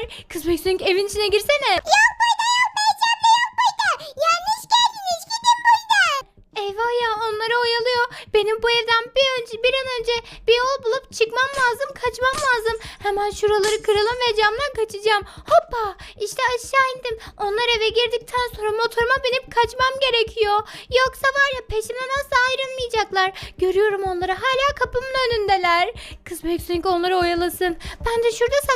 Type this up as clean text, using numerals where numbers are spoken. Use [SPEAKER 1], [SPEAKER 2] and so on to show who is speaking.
[SPEAKER 1] Kız Beysun evin içine girsene.
[SPEAKER 2] Yok burada yok Beyci abla yok burada. Yanlış geldiniz gidin buradan.
[SPEAKER 1] Eyvah ya, onları oyalıyor. Benim bu evden bir an önce bir yol bulup çıkmam lazım, kaçmam lazım. Hemen şuraları kıralım ve camdan kaçacağım. Hoppa, işte aşağı indim. Onlar eve girdikten sonra motoruma binip kaçmam gerekiyor. Yoksa var ya, peşimden asla ayrılmayacaklar. Görüyorum onları, hala kapımın önündeler. Kız Beysun onları oyalasın. Ben de şurada